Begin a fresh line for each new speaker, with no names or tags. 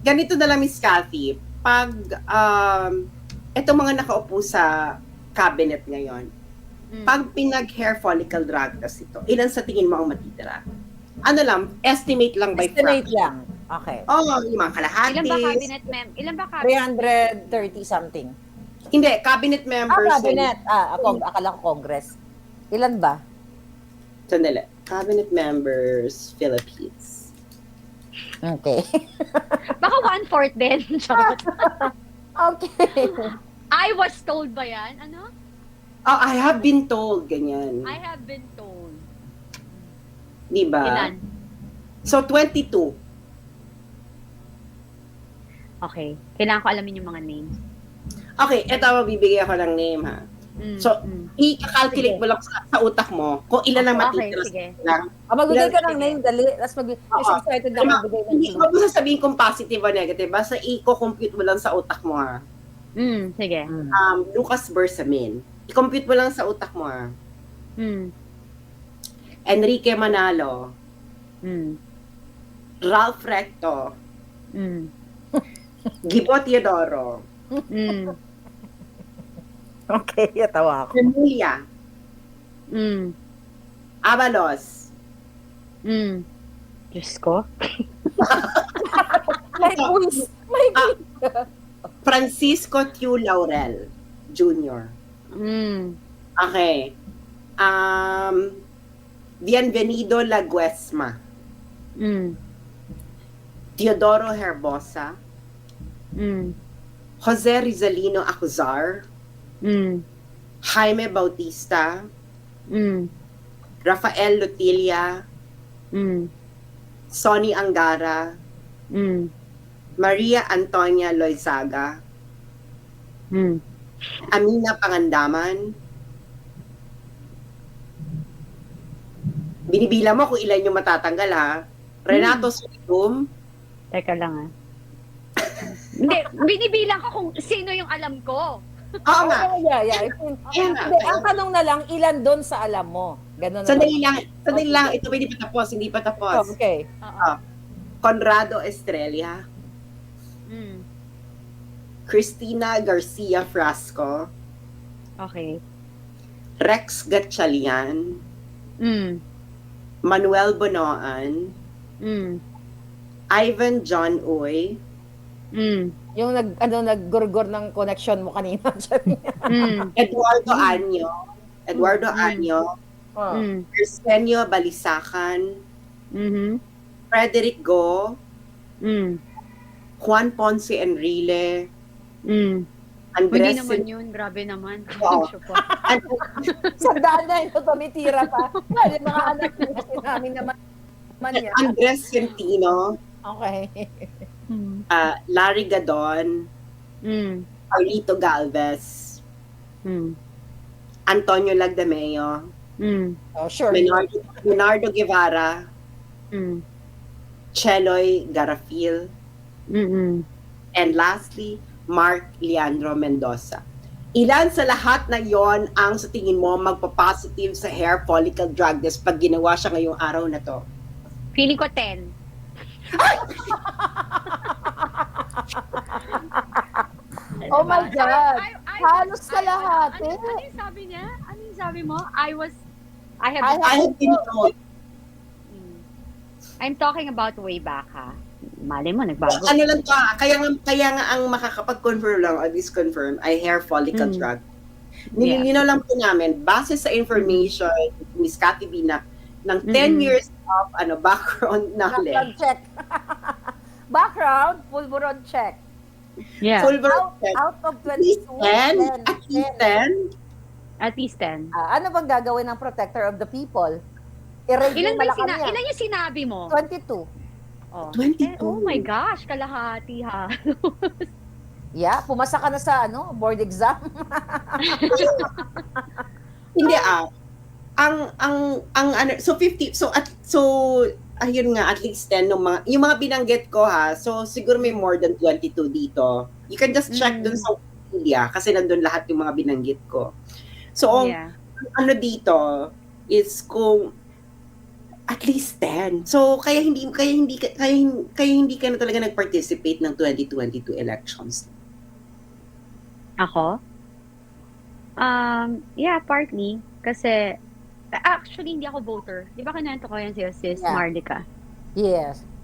ganito na lang, Miss Cathy, pag itong mga nakaupo sa cabinet ngayon, pag pinag-hair follicle drug test ito, ilan sa tingin mo ang matitira? Ano lang, estimate lang by
Estimate
fraction.
lang. Okay.
Yung mga kalahatis.
Ilan ba cabinet Ilan ba cabinet?
330 something.
Hindi, cabinet members.
Cabinet. Akala ko Congress. Ilan ba?
Sandali. Cabinet members, Philippines.
Okay.
Baka 1/4 din. Charot.
Okay.
I was told ba yan? Ano?
I have been told, ganyan.
I have been told.
Di ba?
Ilan?
So, 22.
Okay. Kailangan ko alamin yung mga names.
Okay, eto, mabibigay ako ng name, ha? So, i-calculate mo lang sa utak mo kung ilan ang matitira.
Okay, sige.
Magbigay ka ng name, dali. Tapos excited na magbigay ng
Hindi
clue.
mo sasabihin kung positive o negative. Basta i-compute mo lang sa utak mo, ha?
Sige.
Lucas Bersamin. I-compute mo lang sa utak mo, ha? Enrique Manalo. Ralph Recto. Gibo Teodoro.
Okay, yatawa ako.
Emilia. Avalos.
Diyos ko.
May quiz. May quiz.
Francisco Q. Laurel Jr. Okay. Bienvenido Laguesma. Teodoro Herbosa. Jose Rizalino Acuzar. Jaime Bautista. Rafael Lutilia. Sonny Angara. Maria Antonia Loizaga. Amina Pangandaman. Binibila mo kung ilan yung matatanggal, ha? Renato Sulitum.
Teka lang, Hindi, binibilang ko kung sino yung alam ko.
Oo nga.
Yeah.
Ayan nga.
Hindi, ang tanong na lang, ilan doon sa alam mo? Ganun na
Sandali lang. Ito hindi pa tapos.
Okay.
Conrado Estrella. Cristina Garcia Frasco.
Okay.
Rex Gatchalian. Manuel Bonoan. Ivan John Uy.
Yung naggurgur ng connection mo kanina.
Eduardo Anyo. Arsenio Balisacan. Frederick Go. Juan Ponce Enrile. Andres.
Hindi naman yun. Grabe naman.
Oo.
Sandaan na ito, tumitira pa. Yung mga anak namin naman yan.
Andres Centino.
Okay.
Larry Gadon. Carlito Galvez. Antonio Lagdameo.
Oh, sure.
Leonardo Guevara. Cheloy Garafil. And lastly, Mark Leandro Mendoza. Ilan sa lahat na yon ang sa tingin mo magpa-positive sa hair follicle drug test pag ginawa siya ngayong araw na to?
Feeling ko 10.
Oh my God. Halos kalahati.
Ano yung sabi niya? Ano yung sabi mo? I have
been told.
I'm talking about way back, ha? Mali mo, nagbago.
Ano lang to, kaya nga ang makakapag-confirm lang or disconfirm ay hair follicle drug. Nililinaw lang po namin, base sa information, Miss Cathy B, ng 10 years of background knowledge.
Background check. Background, Fulveron check.
Yeah.
Out of 22, 10.
At least 10.
At least 10.
Ano bang gagawin ng protector of the people? I-rate
Ilan
yung Malacanang.
ilan yung sinabi mo?
22.
Oh.
22.
Oh my gosh, kalahati ha.
Yeah, pumasa ka na sa board exam.
Hindi so 50 ayun nga at least 10 yung mga binanggit ko ha. So siguro may more than 22 dito. You can just check dun sa Wikipedia kasi nandun lahat yung mga binanggit ko. So dito is kung At least 10. So kaya hindi ka na talaga nag-participate ng 2022 elections.
Ako? Yeah, partly. Kasi, actually, hindi ako voter. Di ba kinento ko yan sa'yo, sis
Yeah.
Marlica?
Yes.